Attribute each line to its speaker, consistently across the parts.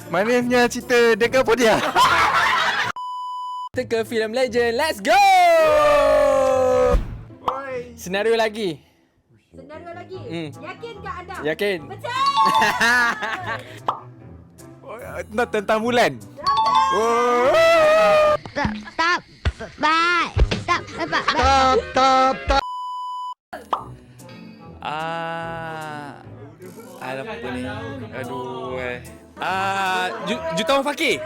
Speaker 1: Manisnya cerita dekat apa dia?
Speaker 2: Kita ke filem legend. Let's go! Senario lagi.
Speaker 3: Senario lagi. Yakinkah anda?
Speaker 2: Yakin?
Speaker 3: Betul.
Speaker 1: Tentang bulan.
Speaker 4: Stop. Bye. Stop.
Speaker 1: Tap.
Speaker 2: Apa ni? Aduh. Jutawan Fakir.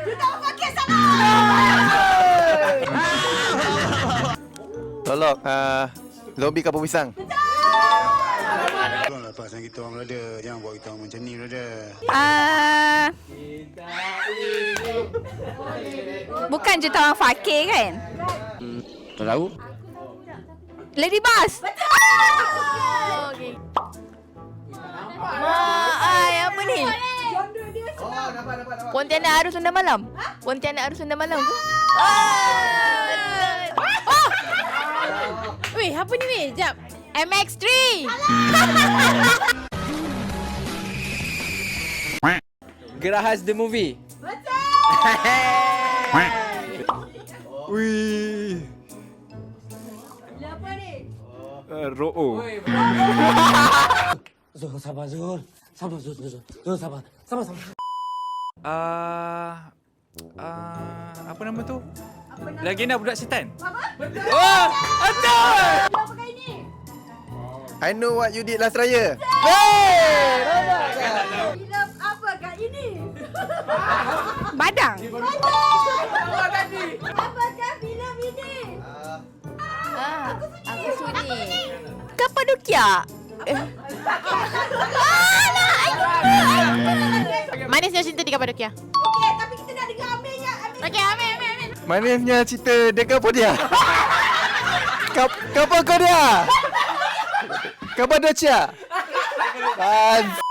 Speaker 1: Tolong, zombie kapur pisang.
Speaker 5: Tolonglah pasang kita orang berada. Jangan buat kita orang macam ni berada.
Speaker 4: Bukan jutawan Fakir kan?
Speaker 2: Tak tahu.
Speaker 4: Lady Boss. Betul. Okay. Apa ni?
Speaker 3: Genre dia senang.
Speaker 4: Pontianak Arus Sunda Malam. Pontianak Arus Sunda Malam. Weh, apa ni weh? Jap. MX3.
Speaker 2: Gerahas the movie.
Speaker 1: Wih.
Speaker 3: Apa ni?
Speaker 1: Ro'o. Apa nama tu? Legenda Budak Setan.
Speaker 2: Oh! Betul!
Speaker 3: Apa pakai ini?
Speaker 1: I know what you did last raya.
Speaker 3: Filem apakah ini?
Speaker 4: Badang.
Speaker 3: Apakah filem ini?
Speaker 4: Aku sudi. Kapadokia. Manisnya cinta di Kapadokia.
Speaker 3: Okey, tapi kita nak dengar Amirnya.
Speaker 4: Okey, amin.
Speaker 1: Manisnya cerita dekat apa dia? Kapal kau dia? Kapadocia.